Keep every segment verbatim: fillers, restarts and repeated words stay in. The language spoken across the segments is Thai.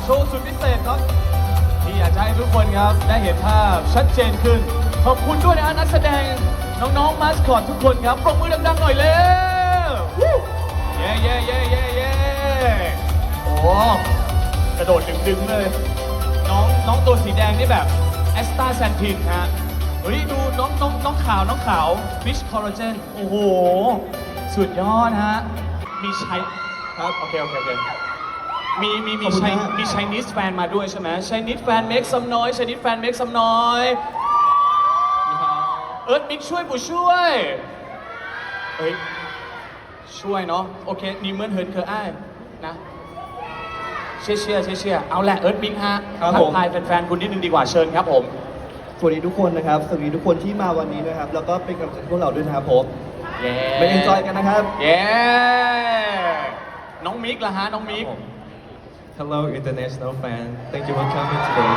โชว์สุดพิเศษครับที่อยากจะให้ทุกคนครับได้เห็นภาพชัดเจนขึ้นขอบคุณด้วยนะนักแสดงน้องๆมาสคอตทุกคนครับปรบมือดังๆหน่อยเร็วเย้เย้เย้เย้เย้โอ้กระโดดดึงๆเลยน้องน้องตัวสีแดงนี่แบบแอสตาแซนทินฮะเฮ้ยดูน้องน้องน้องขาวน้องขาวฟิชคอลลาเจนโอ้โหสุดยอดฮะมีใช้ครับโอเคโอเคโอเคมีมีมีใช้มีไชนีสแฟนมาด้วยใช่ไหมไชนีสแฟนเมคซัมน้อยไชนีสแฟนเมคซัมน้อยเอิร์ธมิกช่วยผู้ช่วยเฮ้ยช่วยเนาะโอเคนี่เหมือนเฮิร์นเคอร์อ้ายนะเชียร์เชียร์เชียร์เชียร์เอาแหละเอิร์ธมิกฮะทักทายแฟนๆคุณนิดนึงดีกว่าเชิญครับผมสวัสดีทุกคนนะครับสวัสดีทุกคนที่มาวันนี้นะครับแล้วก็เป็นกำลังใจให้พวกเราด้วยนะครับผมเย้ไปเอ็นจอยกันนะครับเย้น้องมิกล่ะฮะน้องมิก Hello international fan thank you for coming today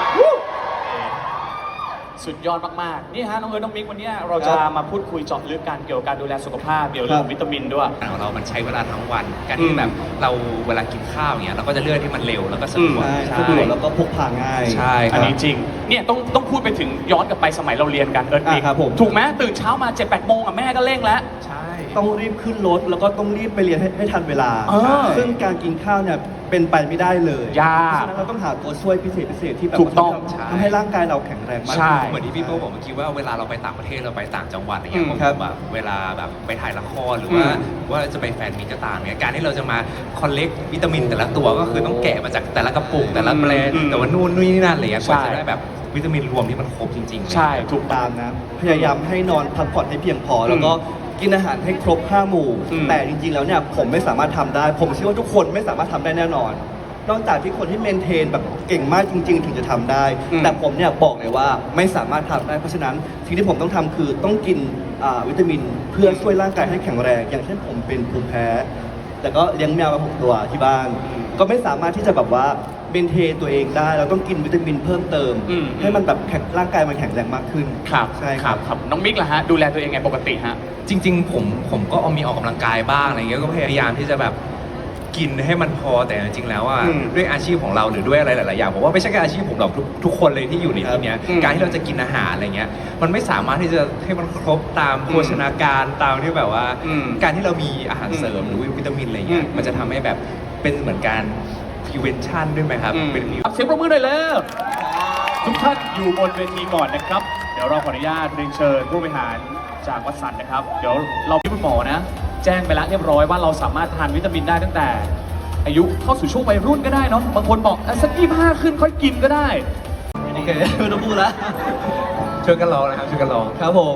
สุดยอดมากๆนี่ฮะน้องเอิร์ธน้องมิกวันนี้เราจะมาพูดคุยเจาะลึกกันเกี่ยวกับการดูแลสุขภาพเกี่ยวกับเรื่องวิตามินด้วยของเรามันใช้เวลาทั้งวันการที่แบบเราเวลากินข้าวอย่างเงี้ยเราก็จะเลือกที่มันเร็วแล้วก็สะดวกสะดวกแล้วก็พกพาง่ายใช่อันนี้จริงเนี่ยต้องต้องพูดไปถึงย้อนกลับไปสมัยเราเรียนกันเอิร์ธมิกถูกไหมตื่นเช้ามาเจ็ดแปดโมงอ่ะแม่ก็เร่งแล้วใช่ต้องรีบขึ้นรถแล้วก็ต้องรีบไปเรียนให้ให้ทันเวลาซึ่งการกินข้าวเนี่ยเป็นไปไม่ได้เลยยากเพราะฉะนั้นเราต้องหาตัวช่วยพิเศษพิเศษที่แบบถูกต้องทำให้ร่างกายเราแข็งแรงมากเหมือนที่พี่โป้บอกเมื่อกี้ว่าเวลาเราไปต่างประเทศเราไปต่างจังหวัดอะไรเงี้ยผมแบบเวลาแบบไปถ่ายละครหรือว่าว่าจะไปแฟนมีก็ตามเนี่ยการที่เราจะมาคอลเลกต์วิตามินแต่ละตัวก็คือต้องแกะมาจากแต่ละกระปุกแต่ละแบรนด์แต่ว่านู่นนี่นั่นอะไรเงี้ยกว่าจะได้แบบวิตามินรวมที่มันครบจริงๆใช่ถูกตามนะพยายามให้นอนพักผ่อนให้เพียงพอแล้วก็กินอาหารให้ครบห้าหมู่แต่จริงๆแล้วเนี่ยผมไม่สามารถทำได้ผมเชื่อว่าทุกคนไม่สามารถทำได้แน่นอนนอกจากที่คนที่เมนเทนแบบเก่งมากจริงๆถึงจะทำได้ แต่ผมเนี่ยบอกเลยว่าไม่สามารถทำได้เพราะฉะนั้นสิ่งที่ผมต้องทำคือต้องกินวิตามินเพื่อช่วยร่างกายให้แข็งแรงอย่างเช่นผมเป็นภูมิแพ้แต่ก็เลี้ยงแมวมาหกตัวที่บ้านก็ไม่สามารถที่จะแบบว่าเมนเทนตัวเองได้เราต้องกินวิตามินเพิ่มเติมให้มันแบบแข็งร่างกายมันแข็งแรงมากขึ้นครับใช่ครับครับน้องมิกล่ะฮะดูแลตัวเองไงปกติฮะจริงๆผมผมก็เอามีออกกำลังกายบ้างอะไรเงี้ยก็พยายามที่จะแบบกินให้มันพอแต่จริงๆแล้วอ่ะด้วยอาชีพของเราหรือด้วยอะไรหลายๆอย่างผมว่าไม่ใช่แค่อาชีพผมหรอกทุกทุกคนเลยที่อยู่ในที่นี้การที่เราจะกินอาหารอะไรเงี้ยมันไม่สามารถที่จะให้มันครบตามโภชนาการตามที่แบบว่าการที่เรามีอาหารเสริมหรือวิตามินอะไรเงี้ยมันจะทำให้แบบเป็นเหมือนการ prevention ด้วยไหมครับเป็นเสียงปรบมือหน่อยแล้วทุกท่านอยู่บนเวทีก่อนนะครับเดี๋ยวเราขออนุญาตเรียนเชิญผู้บริหารจากวัดสันนะครับเดี๋ยวเราพี่คุณหมอนะแจ้งไปแล้วเรียบร้อยว่าเราสามารถทานวิตามินได้ตั้งแต่อายุเข้าสู่ช่วงวัยรุ่นก็ได้เนาะบางคนบอกสักยี่สิบห้าขึ้นค่อยกินก็ได้โอเคไม่ต้องพูดแล้วช่วยกันลองนะครับช่วยกันลองครับผม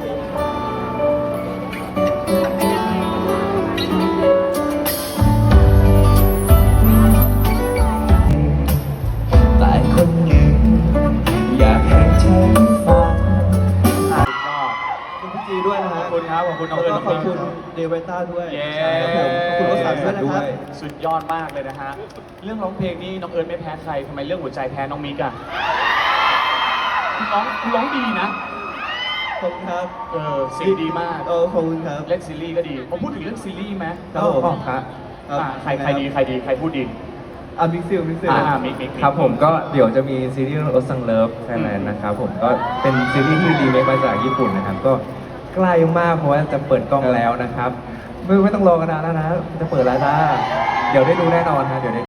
แต่คนหนึ่งอยากให้เธอฟังขอบคุณพี่จีด้วยนะฮะขอบคุณครับขอบคุณน้องเอิญแล้วก็ขอบคุณเดวิต้าด้วยเย้ขอบคุณรถสารด้วยนะครับสุดยอดมากเลยนะฮะเรื่องร้องเพลงนี่น้องเอิญไม่แพ้ใครทำไมเรื่องหัวใจแพ้น้องมิกอะคุณร้องคุณร้องดีนะขอบคุณครับเออเสียงดีมากเออขอบคุณครับเล่นซีรีส์ก็ดีผมพูดถึงเรื่องซีรีส์ไหมครับผมครับใครใครดีใครดีใครพูดดีอ่ะมิกซิลมิกซิลอ่ามิกมิกครับผมก็เดี๋ยวจะมีซีรีส์โอซังเลิฟไทยแลนด์นะครับผมก็เป็นซีรีส์ที่รีเมคมาจากญี่ปุ่นนะครับก็ใกล้มากเพราะว่าจะเปิดกล้องแล้วนะครับไม่ไม่ต้องรอกันนานแล้วนะจะเปิดแล้วจ้าเดี๋ยวได้ดูแน่นอนนะเดี๋ยวได้